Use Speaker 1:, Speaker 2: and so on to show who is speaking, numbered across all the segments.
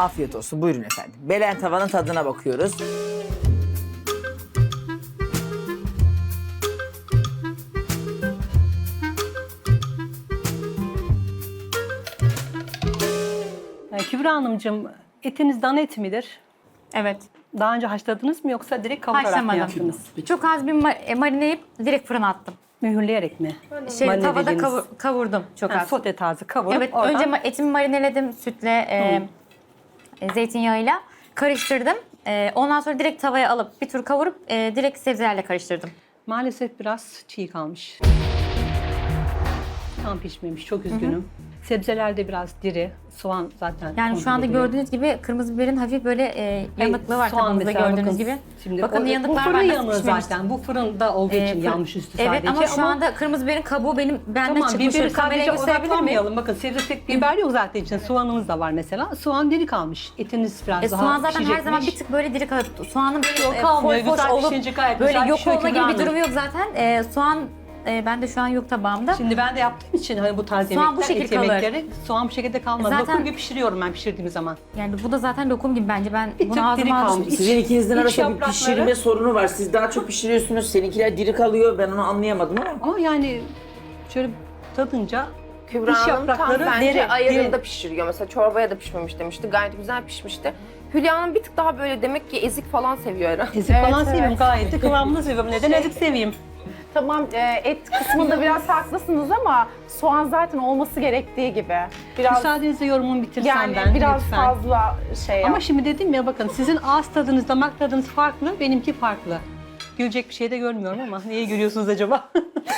Speaker 1: Afiyet olsun. Buyurun efendim. Belen tavanın tadına bakıyoruz.
Speaker 2: Kübra Hanımcığım, etiniz dana eti midir?
Speaker 3: Evet.
Speaker 2: Daha önce haşladınız mı yoksa direkt kavurarak mı
Speaker 3: Haşlamadım.
Speaker 2: yaptınız?
Speaker 3: Çok az bir marineleyip direkt fırına attım.
Speaker 2: Mühürleyerek mi?
Speaker 3: Tavada
Speaker 2: Marinelediğiniz-
Speaker 3: kavurdum çok
Speaker 2: Ha,
Speaker 3: az.
Speaker 2: sote tarzı kavurup
Speaker 3: Evet,
Speaker 2: oradan...
Speaker 3: önce etimi marineledim sütle, zeytinyağıyla karıştırdım. Ondan sonra direkt tavaya alıp bir tur kavurup direkt sebzelerle karıştırdım.
Speaker 2: Maalesef biraz çiğ kalmış. Tam pişmemiş, çok üzgünüm. Sebzeler de biraz diri, soğan zaten
Speaker 3: Yani
Speaker 2: kontrol
Speaker 3: şu anda
Speaker 2: ediliyor.
Speaker 3: gördüğünüz gibi kırmızı biberin hafif böyle yanıklığı var
Speaker 2: Soğan
Speaker 3: tabağımızda
Speaker 2: mesela
Speaker 3: gördüğünüz
Speaker 2: bakın,
Speaker 3: gibi.
Speaker 2: Şimdi
Speaker 3: Bakın
Speaker 2: bu
Speaker 3: yanıklar
Speaker 2: fırın
Speaker 3: var, nasıl
Speaker 2: yanığı
Speaker 3: pişmemiş.
Speaker 2: zaten. Bu fırında olduğu için yanmış üstü sadece.
Speaker 3: Evet ama şu anda kırmızı biberin kabuğu benden
Speaker 2: Tamam,
Speaker 3: çıkmış.
Speaker 2: biberi
Speaker 3: Kameraya
Speaker 2: sadece
Speaker 3: gösterebilir miyim?
Speaker 2: odaklanmayalım. Bakın sebze tek biber yok zaten için. Soğanımız da var mesela. Soğan diri kalmış. Etiniz biraz daha
Speaker 3: Soğan zaten her
Speaker 2: pişecekmiş.
Speaker 3: zaman bir tık böyle diri kalır. Soğanın böyle
Speaker 2: Yok, kalmıyor.
Speaker 3: foş
Speaker 2: Güzel
Speaker 3: olup
Speaker 2: pişince gayet
Speaker 3: böyle
Speaker 2: güzel
Speaker 3: yok
Speaker 2: pişiyor
Speaker 3: olma
Speaker 2: Kübra
Speaker 3: gibi bir
Speaker 2: Hanım.
Speaker 3: durumu yok zaten. Soğan bende şu an yok tabağımda.
Speaker 2: Şimdi ben de yaptığım için hani bu tarz
Speaker 3: Soğan bu
Speaker 2: yemekler,
Speaker 3: şekil
Speaker 2: et
Speaker 3: kalır.
Speaker 2: yemekleri soğan bu şekilde kalmaz.
Speaker 3: Zaten-
Speaker 2: Lokum gibi pişiriyorum ben pişirdiğim zaman.
Speaker 3: Yani bu da zaten lokum gibi bence. Ben
Speaker 2: Bir tık
Speaker 3: bunu
Speaker 2: diri
Speaker 3: ağzıma
Speaker 2: kalmış.
Speaker 3: alıştım.
Speaker 1: Sizin ikinizin
Speaker 2: iç
Speaker 1: arasında bir
Speaker 2: yaprakları-
Speaker 1: pişirme sorunu var. Siz daha çok pişiriyorsunuz. Seninkiler diri kalıyor. Ben onu anlayamadım ama.
Speaker 2: Ama yani şöyle tadınca
Speaker 4: Kübra
Speaker 2: İç
Speaker 4: Hanım tam
Speaker 2: yaprakları
Speaker 4: bence
Speaker 2: deri,
Speaker 4: ayarında
Speaker 2: deri.
Speaker 4: pişiriyor. Mesela çorbaya da pişmemiş demişti. Gayet güzel pişmişti. Hülya Hanım bir tık daha böyle demek ki ezik falan seviyor herhalde.
Speaker 2: ezik falan
Speaker 5: Evet,
Speaker 2: seviyorum
Speaker 5: evet.
Speaker 2: gayet de kıvamını seviyorum. Neden ezik seveyim?
Speaker 5: Tamam, et kısmında biraz haklısınız ama soğan zaten olması gerektiği gibi. Biraz
Speaker 2: Müsaadenizle yorumumu bitirsem
Speaker 5: yani
Speaker 2: ben
Speaker 5: biraz
Speaker 2: lütfen.
Speaker 5: fazla şey
Speaker 2: Ama
Speaker 5: yap.
Speaker 2: şimdi dedim ya bakın sizin ağız tadınız, damak tadınız farklı, benimki farklı. Gülecek bir şey de görmüyorum ama neye gülüyorsunuz acaba?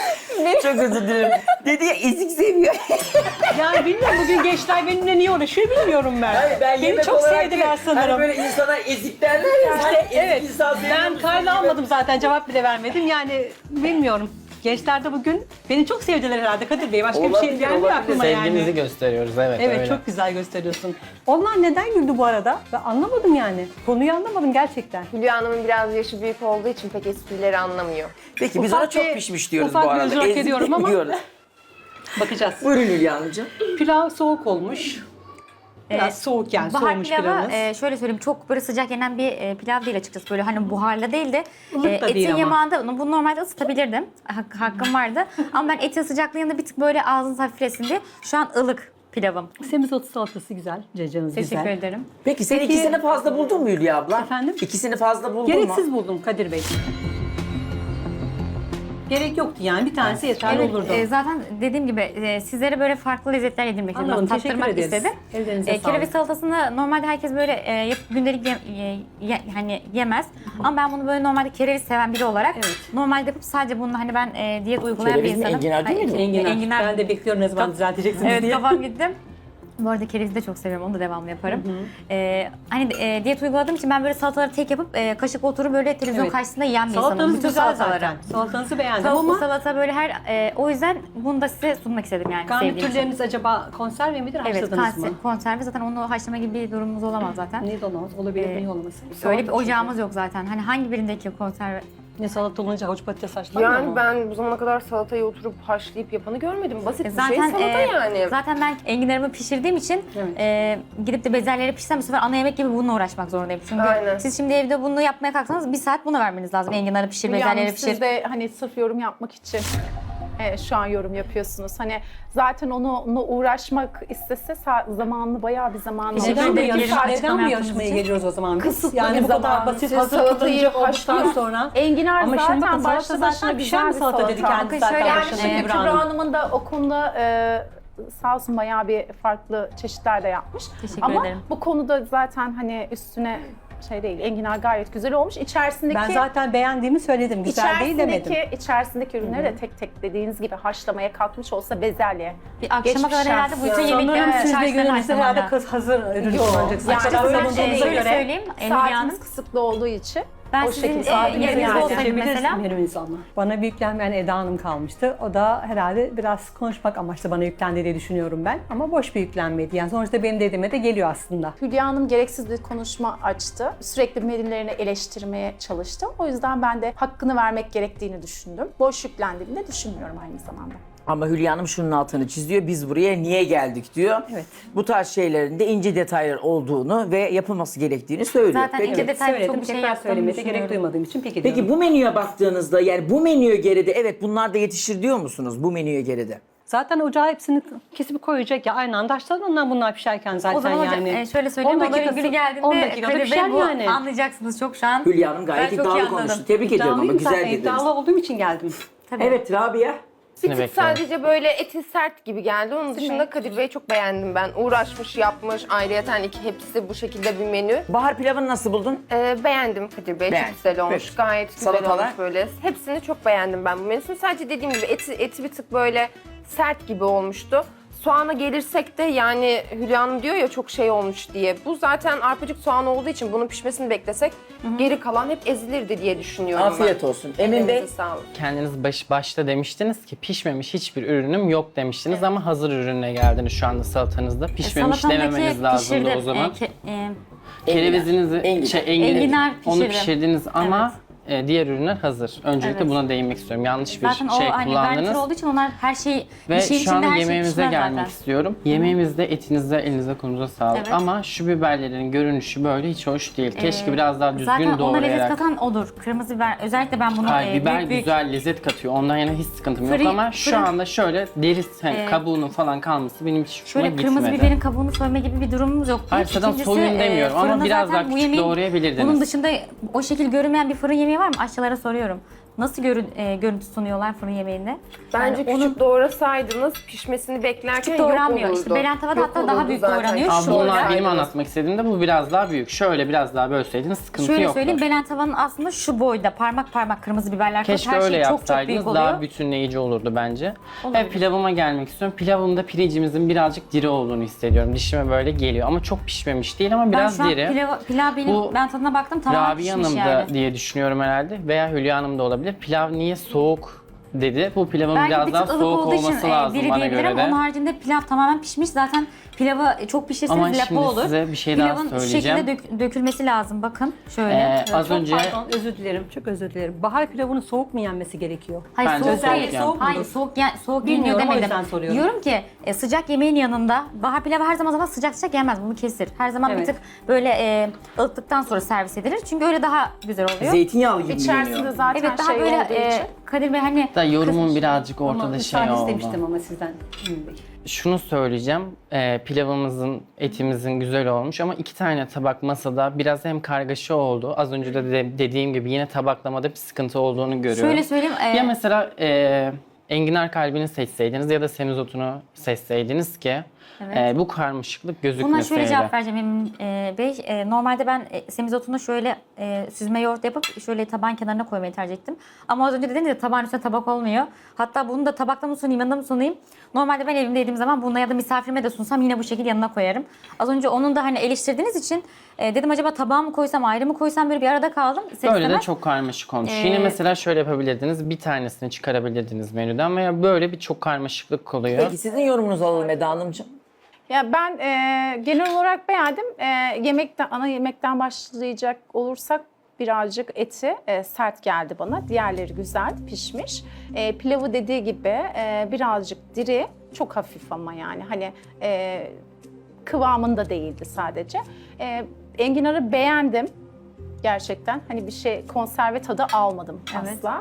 Speaker 1: Çok özür dilerim. Dedi ya ezik seviyor.
Speaker 2: Yani bilmiyorum bugün gençler benimle niye uğraşıyor bilmiyorum ben.
Speaker 1: Hayır, ben
Speaker 2: Beni
Speaker 1: yemek
Speaker 2: çok
Speaker 1: olarak
Speaker 2: sevdiler
Speaker 1: değil,
Speaker 2: sanırım.
Speaker 1: Hani böyle insana ezik derler ya. Hani ezik
Speaker 2: Evet,
Speaker 1: insan seviyor
Speaker 2: ben
Speaker 1: musun
Speaker 2: kayda
Speaker 1: gibi.
Speaker 2: almadım zaten cevap bile vermedim. Yani bilmiyorum. Gençler de bugün beni çok sevdiler herhalde Kadir Bey. Başka bir şey
Speaker 1: Olabilir,
Speaker 2: gelmiyor
Speaker 1: olabilir.
Speaker 2: aklıma
Speaker 6: Sevgimizi
Speaker 2: yani.
Speaker 6: gösteriyoruz, evet,
Speaker 2: Evet
Speaker 6: öyle.
Speaker 2: çok güzel gösteriyorsun. Onlar neden güldü bu arada? Ben anlamadım yani. Konuyu anlamadım gerçekten.
Speaker 4: Hülya Hanım'ın biraz yaşı büyük olduğu için pek esprileri anlamıyor.
Speaker 1: Peki biz
Speaker 2: Ufak
Speaker 1: ona çok
Speaker 2: bir-
Speaker 1: pişmiş diyoruz
Speaker 2: ufak
Speaker 1: bu
Speaker 2: bir
Speaker 1: arada.
Speaker 2: özür hak
Speaker 1: Ezik
Speaker 2: ediyorum ama-
Speaker 1: demiyoruz.
Speaker 2: Bakacağız.
Speaker 1: Buyurun Hülya Hanımcığım.
Speaker 2: Pilav soğuk olmuş. Biraz soğuk yani
Speaker 3: Bahar
Speaker 2: soğumuş
Speaker 3: pilavı
Speaker 2: pilavınız.
Speaker 3: şöyle söyleyeyim çok böyle sıcak yenen bir pilav değil açıkçası. Böyle hani buharlı değil de
Speaker 2: Ilık da
Speaker 3: etin
Speaker 2: değil ama.
Speaker 3: yamağında bunu normalde ısıtabilirdim. Hakkım vardı. Ama ben etin sıcaklığının yanında bir tık böyle ağzınız hafiflesin diye. Şu an ılık pilavım.
Speaker 2: Semizotu salatası güzel. Cacanız
Speaker 3: Teşekkür
Speaker 2: güzel.
Speaker 3: ederim.
Speaker 1: Peki sen
Speaker 2: Peki-
Speaker 1: ikisini fazla buldun mu Hülya abla?
Speaker 2: Efendim?
Speaker 1: İkisini fazla buldun
Speaker 2: Gereksiz
Speaker 1: mu?
Speaker 2: buldum Kadir Bey. Gerek yoktu yani. Bir tanesi yeterli
Speaker 3: Evet,
Speaker 2: olurdu.
Speaker 3: zaten dediğim gibi sizlere böyle farklı lezzetler yedirmek istedim.
Speaker 2: Anladım,
Speaker 3: Biraz
Speaker 2: teşekkür
Speaker 3: tattırmak
Speaker 2: ederiz.
Speaker 3: istedim.
Speaker 2: Ellerinize sağlık.
Speaker 3: Kereviz salatasını normalde herkes böyle yapıp gündelik hani yemez. Ama ben bunu böyle normalde kereviz seven biri olarak
Speaker 2: Evet.
Speaker 3: normalde yapıp sadece bunu hani ben diyet uygulayan
Speaker 1: Kereviz
Speaker 3: bir
Speaker 1: mi,
Speaker 3: insanım.
Speaker 1: enginar değil mi?
Speaker 2: Enginar. Ben de bekliyorum ne zaman
Speaker 3: Kaf-
Speaker 2: düzelteceksiniz
Speaker 3: Evet
Speaker 2: diye.
Speaker 3: kafam gitti. Bu arada kerevizi de çok seviyorum. Onu da devamlı yaparım. Hani diyet uyguladığım için ben böyle salataları tek yapıp kaşık oturup böyle televizyon
Speaker 2: Evet.
Speaker 3: karşısında yiyen bir insanım.
Speaker 2: Salatanız
Speaker 3: Bütün
Speaker 2: güzel
Speaker 3: salataları.
Speaker 2: zaten. Salatanızı beğendim
Speaker 3: Tavuklu
Speaker 2: ama
Speaker 3: salata böyle her o yüzden bunu da size sunmak istedim yani sevdiğim için.
Speaker 2: garnitürleriniz acaba konserve midir,
Speaker 3: Evet,
Speaker 2: haşladınız mı?
Speaker 3: konserve zaten onu haşlama gibi bir durumumuz olamaz zaten.
Speaker 2: Niye olamaz? Olabilir,
Speaker 3: Ee,
Speaker 2: niye olmasın?
Speaker 3: Öyle bir ocağımız yok zaten. Hani hangi birindeki konserve?
Speaker 2: Ne salata olunca havuç patates haşlanmıyor
Speaker 4: Yani
Speaker 2: mu?
Speaker 4: ben bu zamana kadar salatayı oturup haşlayıp yapanı görmedim. Basit bir şey
Speaker 3: Zaten
Speaker 4: salata yani.
Speaker 3: zaten ben enginarımı pişirdiğim için
Speaker 2: Evet.
Speaker 3: gidip de bezelyeleri pişirsem bu sefer ana yemek gibi bununla uğraşmak zorundayım. Çünkü
Speaker 4: Aynen.
Speaker 3: siz şimdi evde bunu yapmaya kalksanız bir saat buna vermeniz lazım. Enginarı pişir,
Speaker 5: Hülya Hanım,
Speaker 3: bezelyeleri pişir.
Speaker 5: siz de hani sırf yorum yapmak için şu an yorum yapıyorsunuz. Hani zaten onunla uğraşmak istese zamanını bayağı bir zamanı
Speaker 3: Teşekkür
Speaker 2: Neden bu,
Speaker 3: ederim.
Speaker 2: yarışma,
Speaker 3: Açıklama
Speaker 2: neden bu
Speaker 3: yaptığınız
Speaker 2: yarışmaya
Speaker 3: için.
Speaker 2: geliyoruz o zaman biz?
Speaker 5: Kısıtlı
Speaker 2: Yani
Speaker 5: bir
Speaker 2: bu kadar
Speaker 5: zaman.
Speaker 2: basit
Speaker 5: Siz
Speaker 2: hazır
Speaker 5: salatayı
Speaker 2: kullanıcı olduktan
Speaker 5: haşlayın.
Speaker 2: sonra.
Speaker 5: Enginar
Speaker 2: Ama şimdi bakın
Speaker 5: zaten
Speaker 2: salata
Speaker 5: başlı
Speaker 2: zaten
Speaker 5: başına
Speaker 2: pişen
Speaker 5: güzel
Speaker 2: bir
Speaker 5: bir
Speaker 2: salata dedi
Speaker 5: salata.
Speaker 2: kendisi
Speaker 3: Bakın şöyle
Speaker 2: zaten
Speaker 3: yani,
Speaker 2: başında
Speaker 5: Şimdi
Speaker 2: Kübra
Speaker 5: Kübra
Speaker 2: Hanım.
Speaker 5: Hanım'ın da o konuda sağ olsun bayağı bir farklı çeşitler de yapmış.
Speaker 3: Teşekkür
Speaker 5: Ama
Speaker 3: ederim.
Speaker 5: bu konuda zaten hani üstüne şey değil, enginar gayet güzel olmuş. İçerisindeki
Speaker 2: Ben zaten beğendiğimi söyledim. Güzel değil demedim.
Speaker 5: içerisindeki ürünleri de tek tek dediğiniz gibi haşlamaya kalkmış olsa bezelye.
Speaker 3: Bir akşama
Speaker 5: Geçmiş
Speaker 3: kadar herhalde
Speaker 5: şans.
Speaker 3: bütün
Speaker 2: Sanırım
Speaker 3: yemeklerin
Speaker 2: siz de
Speaker 3: içerisinde
Speaker 2: günümüzde herhalde
Speaker 3: haşlamalı.
Speaker 2: hazır ürün
Speaker 5: Yok.
Speaker 2: kullanacaksınız.
Speaker 5: Yani
Speaker 2: Açıkçası
Speaker 5: ben
Speaker 2: savunduğunuza
Speaker 3: şöyle
Speaker 2: göre.
Speaker 3: söyleyeyim. Hülya Hanım.
Speaker 5: Saatimiz kısıtlı olduğu için
Speaker 3: Ben
Speaker 5: o
Speaker 3: sizin
Speaker 5: şekilde
Speaker 3: yerinizde
Speaker 5: yani.
Speaker 3: olsaydım
Speaker 2: Seçebiliriz
Speaker 3: mesela.
Speaker 2: menümüzü ama. Bana bir yüklenmeyen Eda Hanım kalmıştı. O da herhalde biraz konuşmak amaçlı bana yüklendi diye düşünüyorum ben. Ama boş bir yüklenmeydi. Yani sonuçta benim dediğime de geliyor aslında.
Speaker 5: Hülya Hanım gereksiz bir konuşma açtı. Sürekli menülerini eleştirmeye çalıştı. O yüzden ben de hakkını vermek gerektiğini düşündüm. Boş yüklendiğini de düşünmüyorum aynı zamanda.
Speaker 1: Ama Hülya Hanım şunun altını çiziyor. Biz buraya niye geldik diyor.
Speaker 2: Evet.
Speaker 1: Bu tarz şeylerin de ince detaylar olduğunu ve yapılması gerektiğini söylüyor.
Speaker 3: Zaten
Speaker 1: Peki.
Speaker 3: ince detay
Speaker 2: Söyledim,
Speaker 3: çok bir şey
Speaker 2: tekrar
Speaker 3: yaptığımı
Speaker 2: söylemeye de gerek
Speaker 3: düşünüyorum.
Speaker 2: duymadığım için peki diyorum.
Speaker 1: Peki bu menüye baktığınızda yani bu menüye geride evet bunlar da yetişir diyor musunuz bu menüye geride?
Speaker 2: Zaten ocağa hepsini kesip koyacak ya aynı anda açtılar ondan bunlar pişerken zaten
Speaker 3: O zaman hocam
Speaker 2: yani.
Speaker 3: şöyle söyleyeyim.
Speaker 2: 10
Speaker 3: Onların
Speaker 2: dakikası-
Speaker 3: günü
Speaker 2: 10
Speaker 3: geldiğinde
Speaker 2: dakikada
Speaker 3: Kadir Bey
Speaker 2: pişer
Speaker 3: bu
Speaker 2: yani.
Speaker 3: anlayacaksınız çok şu an.
Speaker 1: Hülya Hanım gayet
Speaker 3: Ben çok iyi
Speaker 1: iddialı
Speaker 3: anladım.
Speaker 1: konuştu. Tebrik ediyorum ama
Speaker 2: İddialıyım
Speaker 1: güzel
Speaker 2: zaten,
Speaker 1: dediniz.
Speaker 2: iddialı olduğum için geldim.
Speaker 3: Tabii.
Speaker 1: Evet Rabia.
Speaker 4: Bir tık
Speaker 6: bekliyorum.
Speaker 4: sadece böyle eti sert gibi geldi. Onun dışında Kadir Bey'i çok beğendim ben. Uğraşmış, yapmış. Ayrıyeten hepsi bu şekilde bir menü.
Speaker 1: Bahar pilavını nasıl buldun?
Speaker 4: Beğendim Kadir Bey.
Speaker 1: Beğendin.
Speaker 4: Çok güzel olmuş.
Speaker 1: Peki.
Speaker 4: Gayet güzel
Speaker 1: Salatalar?
Speaker 4: olmuş böyle. Hepsini çok beğendim ben bu menüsünü. Sadece dediğim gibi eti bir tık böyle sert gibi olmuştu. Soğana gelirsek de yani Hülya Hanım diyor ya çok şey olmuş diye. Bu zaten arpacık soğan olduğu için bunun pişmesini beklesek geri kalan hep ezilirdi diye düşünüyorum
Speaker 1: Afiyet
Speaker 4: ben.
Speaker 1: olsun. Emin Bey.
Speaker 4: Elinize sağlık.
Speaker 6: Kendiniz başta demiştiniz ki pişmemiş hiçbir ürünüm yok demiştiniz ama hazır ürüne geldiniz şu anda salatanızda. Pişmemiş
Speaker 3: Salatamdaki
Speaker 6: dememeniz lazımdı
Speaker 3: pişirdim.
Speaker 6: o zaman.
Speaker 3: Enginar.
Speaker 6: Kerevizinizi,
Speaker 3: Enginar
Speaker 6: onu
Speaker 3: pişirdim.
Speaker 6: pişirdiniz ama diğer ürünler hazır. Öncelikle
Speaker 3: Evet.
Speaker 6: buna değinmek istiyorum. Yanlış bir
Speaker 3: Zaten
Speaker 6: şey
Speaker 3: o hani garnitür
Speaker 6: kullandınız.
Speaker 3: olduğu için onlar her şey
Speaker 6: Ve
Speaker 3: bir şeyin
Speaker 6: şu
Speaker 3: içinde
Speaker 6: anda
Speaker 3: her şey
Speaker 6: yemeğimize
Speaker 3: pişmez
Speaker 6: gelmek
Speaker 3: zaten.
Speaker 6: istiyorum. Yemeğimizde etinize, elinize, kolunuza sağlık.
Speaker 3: Evet.
Speaker 6: Ama şu biberlerin görünüşü böyle hiç hoş değil. Keşke biraz daha düzgün
Speaker 3: Zaten ona lezzet
Speaker 6: doğrayarak.
Speaker 3: katan odur. Kırmızı biber. Özellikle ben bunu
Speaker 6: Hayır, biber
Speaker 3: büyük büyük
Speaker 6: güzel lezzet katıyor. Ondan yana hiç sıkıntım yok
Speaker 3: Fırın-
Speaker 6: ama şu
Speaker 3: fırın-
Speaker 6: anda şöyle deri kabuğunun falan kalması benim hiç hoşuma
Speaker 3: şöyle
Speaker 6: gitmedi.
Speaker 3: kırmızı biberin kabuğunu soyma gibi bir durumumuz yok.
Speaker 6: Hayır, zaten soyun demiyorum ama
Speaker 3: fırında
Speaker 6: biraz
Speaker 3: zaten
Speaker 6: daha
Speaker 3: bu
Speaker 6: küçük
Speaker 3: yemeğin-
Speaker 6: doğrayabilirdiniz.
Speaker 3: Bunun dışında o şekil görünmeyen bir fırın yemeği var mı? Aşçılara soruyorum. Nasıl görüntü sunuyorlar fırın yemeğinde?
Speaker 4: Bence
Speaker 3: Yani
Speaker 4: küçük doğrasaydınız pişmesini beklerken
Speaker 3: küçük
Speaker 4: yok
Speaker 3: doğranmıyor.
Speaker 4: olurdu.
Speaker 3: İşte belen tavada
Speaker 4: Yok
Speaker 3: hatta daha
Speaker 4: olurdu
Speaker 3: büyük
Speaker 4: zaten.
Speaker 3: doğranıyor.
Speaker 6: Ama
Speaker 3: Şu
Speaker 6: bunlar
Speaker 3: olarak-
Speaker 6: benim anlatmak istediğimde bu biraz daha büyük. Şöyle biraz daha bölseydiniz sıkıntı
Speaker 3: Şöyle
Speaker 6: yoktu.
Speaker 3: söyleyeyim, belen tavanın aslında şu boyda parmak parmak kırmızı biberler koyup
Speaker 6: Keşke
Speaker 3: her
Speaker 6: öyle
Speaker 3: şey çok
Speaker 6: yapsaydınız
Speaker 3: büyük oluyor.
Speaker 6: daha bütünleyici olurdu bence.
Speaker 3: Olabilir.
Speaker 6: Ve pilavıma gelmek istiyorum. Pilavımda pirincimizin birazcık diri olduğunu hissediyorum. Dişime böyle geliyor ama çok pişmemiş değil ama
Speaker 3: Ben
Speaker 6: biraz
Speaker 3: şu an
Speaker 6: diri.
Speaker 3: pilav benim,
Speaker 6: Bu
Speaker 3: ben tadına baktım tamamen
Speaker 6: Rabia
Speaker 3: pişmiş
Speaker 6: Hanım da
Speaker 3: yani.
Speaker 6: diye düşünüyorum herhalde veya Hülya Hanım da olabilir. Pilav niye soğuk dedi. Bu pilavın
Speaker 3: Belki
Speaker 6: biraz
Speaker 3: bir
Speaker 6: daha
Speaker 3: tık ılık
Speaker 6: soğuk
Speaker 3: olduğu için
Speaker 6: olması lazım
Speaker 3: diri
Speaker 6: bana
Speaker 3: diyebilirim.
Speaker 6: göre de.
Speaker 3: Onun haricinde pilav tamamen pişmiş. Zaten pilavı çok
Speaker 6: Ama
Speaker 3: pişirseniz lapa
Speaker 6: şimdi
Speaker 3: olur.
Speaker 6: size bir şey daha
Speaker 3: Pilavın şu
Speaker 6: söyleyeceğim.
Speaker 3: şekilde dökülmesi lazım. Bakın şöyle.
Speaker 6: Az
Speaker 2: Çok
Speaker 6: önce
Speaker 2: pardon, özür dilerim, çok özür dilerim. Bahar pilavının soğuk mu yenmesi gerekiyor?
Speaker 3: Hayır
Speaker 6: Bence
Speaker 3: soğuk
Speaker 6: soğuk
Speaker 3: değil.
Speaker 6: yani.
Speaker 3: Hayır soğuk yeniyor
Speaker 2: Bilmiyorum, o
Speaker 3: demedim.
Speaker 2: yüzden soruyorum.
Speaker 3: Diyorum ki sıcak yemeğin yanında bahar pilavı her zaman sıcak yenmez. Bunu kesir. Her zaman bir
Speaker 2: Evet.
Speaker 3: tık böyle ılıttıktan sonra servis edilir. Çünkü öyle daha güzel oluyor.
Speaker 1: Zeytinyağlı gibi
Speaker 5: İçerisinde
Speaker 1: yeniyor.
Speaker 5: zaten
Speaker 3: Evet daha
Speaker 5: şey
Speaker 3: böyle
Speaker 5: olduğu için.
Speaker 3: Kadir Bey hani
Speaker 6: da yorumum birazcık
Speaker 2: Ama
Speaker 6: ortada şey
Speaker 2: müsaade
Speaker 6: oldu.
Speaker 2: istemiştim ama sizden. Emin Bey.
Speaker 6: Şunu söyleyeceğim. Pilavımızın, etimizin güzel olmuş ama iki tane tabak masada biraz hem kargaşa oldu. Az önce de dediğim gibi yine tabaklamada bir sıkıntı olduğunu görüyorum.
Speaker 3: şöyle söyleyeyim.
Speaker 6: Ya mesela enginar kalbini seçseydiniz ya da semizotunu seçseydiniz ki bu karmaşıklık
Speaker 3: Buna
Speaker 6: gözükmeseydi.
Speaker 3: şöyle cevap vereceğim Emin Bey. Normalde ben semizotunu şöyle süzme yoğurt yapıp şöyle taban kenarına koymayı tercih ettim. Ama az önce dediniz ya tabağın üstüne tabak olmuyor. Hatta bunu da tabakta mı sunayım, yanında mı sunayım? Normalde ben evimde yediğim zaman bununla ya da misafirime de sunsam yine bu şekilde yanına koyarım. Az önce onun da hani eleştirdiğiniz için dedim acaba tabağa mı koysam, ayrı mı koysam, böyle bir arada kaldım. İster
Speaker 6: Böyle de
Speaker 3: istemez.
Speaker 6: çok karmaşık olmuş. Yine mesela şöyle yapabilirdiniz. Bir tanesini çıkarabilirdiniz menüden veya böyle bir çok karmaşıklık oluyor.
Speaker 1: Peki sizin yorumunuzu alalım Eda Hanımcığım.
Speaker 5: Ya ben genel olarak beğendim. Ana yemekten başlayacak olursak birazcık eti sert geldi bana. Diğerleri güzel pişmiş. Pilavı dediği gibi birazcık diri, çok hafif ama yani hani kıvamında değildi sadece. Enginarı beğendim gerçekten. Hani bir şey konserve tadı almadım
Speaker 3: Evet.
Speaker 5: asla.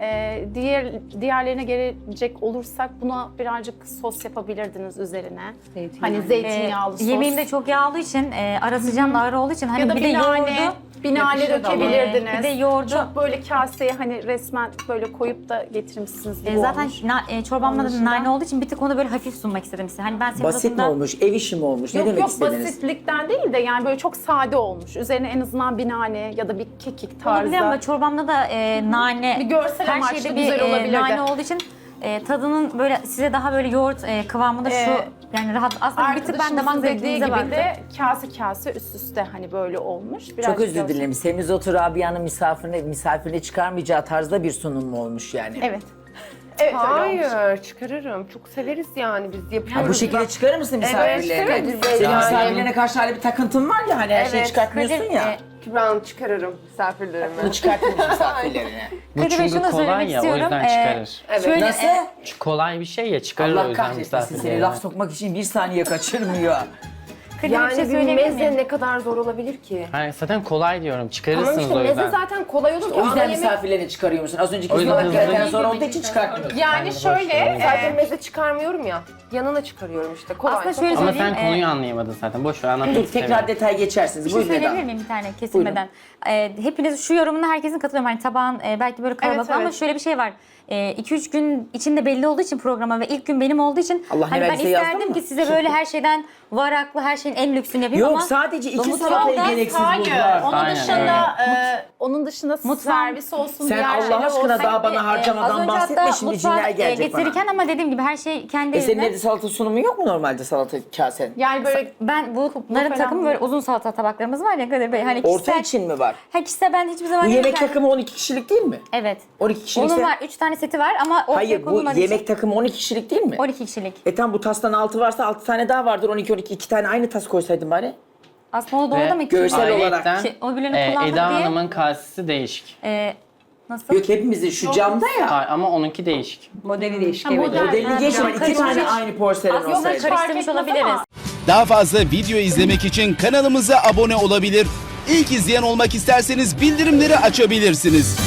Speaker 5: Diğerlerine gelecek olursak buna birazcık sos yapabilirdiniz üzerine.
Speaker 2: Zeytinyağı.
Speaker 5: Hani zeytinyağlı sos.
Speaker 3: Yemeğim de çok yağlı için, ara sıcağım da ağır olduğu için hani
Speaker 5: ya da
Speaker 3: bir de yoğurdu.
Speaker 5: bir nane dökebilirdiniz.
Speaker 3: Bir de yoğurdu.
Speaker 5: Çok böyle kaseye hani resmen böyle koyup da getirmişsiniz gibi
Speaker 3: Zaten
Speaker 5: olmuş.
Speaker 3: çorbamda da
Speaker 5: Onun
Speaker 3: nane olduğu için bir tık onu böyle hafif sunmak istedim size. Hani ben
Speaker 1: Basit mi
Speaker 3: semizotunda
Speaker 1: olmuş, ev işi mi olmuş? Ne
Speaker 5: Yok
Speaker 1: demek
Speaker 5: yok
Speaker 1: istediniz?
Speaker 5: basitlikten değil de yani böyle çok sade olmuş. Üzerine en azından bir nane ya da bir kekik
Speaker 3: olabilir
Speaker 5: tarzı.
Speaker 3: ama çorbamda da nane,
Speaker 5: Bir görsel
Speaker 3: her
Speaker 5: amaçlı
Speaker 3: şeyde bir
Speaker 5: güzel olabilirdi.
Speaker 3: nane olduğu için tadının böyle size daha böyle yoğurt kıvamında şu yani rahat. Aslında bir tık ben damak
Speaker 5: Arkadaşımızın dediği
Speaker 3: zevkinize
Speaker 5: gibi
Speaker 3: baktım.
Speaker 5: de kase üst üste hani böyle olmuş.
Speaker 1: Çok
Speaker 5: Birazcık
Speaker 1: özür
Speaker 5: görsel-
Speaker 1: dilerim. Semizotu Rabia'nın misafirine çıkarmayacağı tarzda bir sunum mu olmuş yani?
Speaker 5: Evet. Evet öyle olmuş.
Speaker 4: Hayır, çıkarırım. Çok severiz yani biz yapıyoruz.
Speaker 1: Ha, bu şekilde çıkarır mısın misafirlerine?
Speaker 4: Kadir Bey,
Speaker 1: Senin
Speaker 4: yani.
Speaker 1: misafirlerine karşı hala bir takıntın var ya hani her şeyi çıkartmıyorsun
Speaker 3: Kadir,
Speaker 1: ya.
Speaker 4: Kübra Hanım çıkarırım misafirlerime.
Speaker 1: Bunu çıkartmıyorsun misafirlerine.
Speaker 6: Bu
Speaker 3: Kadir Bey,
Speaker 6: çünkü
Speaker 3: şunu
Speaker 6: kolay
Speaker 3: söylemek
Speaker 6: ya o
Speaker 3: istiyorum.
Speaker 6: yüzden çıkarır.
Speaker 4: Evet.
Speaker 3: Şöyle,
Speaker 1: Nasıl?
Speaker 6: Çünkü kolay bir şey ya çıkarır o
Speaker 1: Allah
Speaker 6: yüzden
Speaker 1: kahretmesin seni
Speaker 6: misafirlerine.
Speaker 1: laf sokmak için bir saniye kaçırmıyor.
Speaker 3: Kadir, bir
Speaker 4: Yani
Speaker 3: şey
Speaker 4: bir
Speaker 3: söyleyebilir miyim?
Speaker 4: meze ne kadar zor olabilir ki?
Speaker 6: Hayır, zaten kolay diyorum.
Speaker 4: Tamam
Speaker 6: Çıkarırsınız
Speaker 4: işte
Speaker 6: o
Speaker 4: meze
Speaker 6: yüzden.
Speaker 4: zaten kolay olur ki.
Speaker 1: O yüzden
Speaker 4: Ana yemek
Speaker 1: misafirlerini çıkarıyor musun? Az önceki
Speaker 6: O yüzden
Speaker 1: ıspanak gereken
Speaker 6: hızlı-
Speaker 1: zor olduğu için çıkartmıyorsun.
Speaker 5: Yani şöyle,
Speaker 4: sadece meze çıkarmıyorum ya. Yanına çıkarıyorum işte. Kolay.
Speaker 3: Aslında
Speaker 4: çok
Speaker 3: şöyle
Speaker 6: Ama
Speaker 3: söyleyeyim,
Speaker 6: sen konuyu anlayamadın zaten. Boş ver anlatmak
Speaker 1: Dur
Speaker 6: istemiyorum.
Speaker 1: tekrar detay geçersiniz.
Speaker 3: Bir şey
Speaker 1: Buyurun
Speaker 3: söyleyebilir
Speaker 1: Eda.
Speaker 3: miyim bir tane kesilmeden? Hepiniz şu yorumuna herkesin katılıyorum. Hani tabağın belki böyle kalabalık
Speaker 5: Evet,
Speaker 3: ama
Speaker 5: evet.
Speaker 3: şöyle bir şey var. 2-3 gün içinde belli olduğu için programa ve ilk gün benim olduğu için
Speaker 1: Allah
Speaker 3: hani
Speaker 1: ne
Speaker 3: ben
Speaker 1: verdiyse yazdın
Speaker 3: isterdim
Speaker 1: mı?
Speaker 3: ki size böyle her şeyden varaklı, her şeyin en lüksünü yapayım
Speaker 1: Yok
Speaker 3: ama
Speaker 1: sadece iki
Speaker 3: Domuz
Speaker 1: salatayı
Speaker 3: yolda-
Speaker 1: gereksiz
Speaker 5: hayır.
Speaker 1: buldular.
Speaker 5: Onun
Speaker 6: Aynen,
Speaker 5: dışında
Speaker 3: Mutfağın-
Speaker 5: servis olsun,
Speaker 1: Sen
Speaker 5: diğer
Speaker 1: Allah
Speaker 5: şeyler
Speaker 1: aşkına
Speaker 5: olsun.
Speaker 1: daha bana
Speaker 3: Az
Speaker 1: harcamadan
Speaker 3: önce
Speaker 1: bahsetme
Speaker 3: hatta
Speaker 1: şimdi
Speaker 3: mutfağa,
Speaker 1: cinler gelecek bana.
Speaker 3: getirirken ama dediğim gibi her şey kendi
Speaker 1: Senin
Speaker 3: eline.
Speaker 1: evde salata sunumu yok mu normalde salata kasen?
Speaker 5: Yani böyle
Speaker 3: Ben bunların
Speaker 5: falan
Speaker 3: takımı
Speaker 5: değil.
Speaker 3: böyle uzun salata tabaklarımız var ya Kadir Bey. Hani
Speaker 1: Orta
Speaker 3: kişisel,
Speaker 1: için mi var?
Speaker 3: kişisel ben hiçbir zaman
Speaker 1: Bu yemek
Speaker 3: yemekten-
Speaker 1: takımı 12 kişilik değil mi?
Speaker 3: Evet.
Speaker 1: 12 kişilik.
Speaker 3: Onun var 3 tane seti var ama ortaya
Speaker 1: Hayır bu
Speaker 3: konulmadığı
Speaker 1: yemek
Speaker 3: için
Speaker 1: takımı 12 kişilik değil mi?
Speaker 3: 12 kişilik.
Speaker 1: Tam bu tastan 6 varsa 6 tane daha vardır. 12 2 tane aynı tas koysaydın bari.
Speaker 3: Aslında o doğru
Speaker 6: Ve
Speaker 3: da mı?
Speaker 1: görsel olarak
Speaker 6: ayrıyetten,
Speaker 3: O birbirine kullandık
Speaker 6: Eda
Speaker 3: diye.
Speaker 6: Hanım'ın kasesi değişik.
Speaker 3: Nasıl?
Speaker 1: Yok hepimizin şu camda ya.
Speaker 6: Hayır, ama onunki değişik.
Speaker 2: Modeli değişik.
Speaker 5: model-
Speaker 2: Evet.
Speaker 1: Modelini geçme.
Speaker 3: cam
Speaker 1: 2
Speaker 3: karışmış.
Speaker 1: tane aynı porselen
Speaker 3: Aslında
Speaker 1: olsaydı.
Speaker 3: karıştırmış
Speaker 5: etmez
Speaker 3: olabiliriz.
Speaker 5: ama-
Speaker 7: Daha fazla video izlemek için kanalımıza abone olabilir. İlk izleyen olmak isterseniz bildirimleri açabilirsiniz.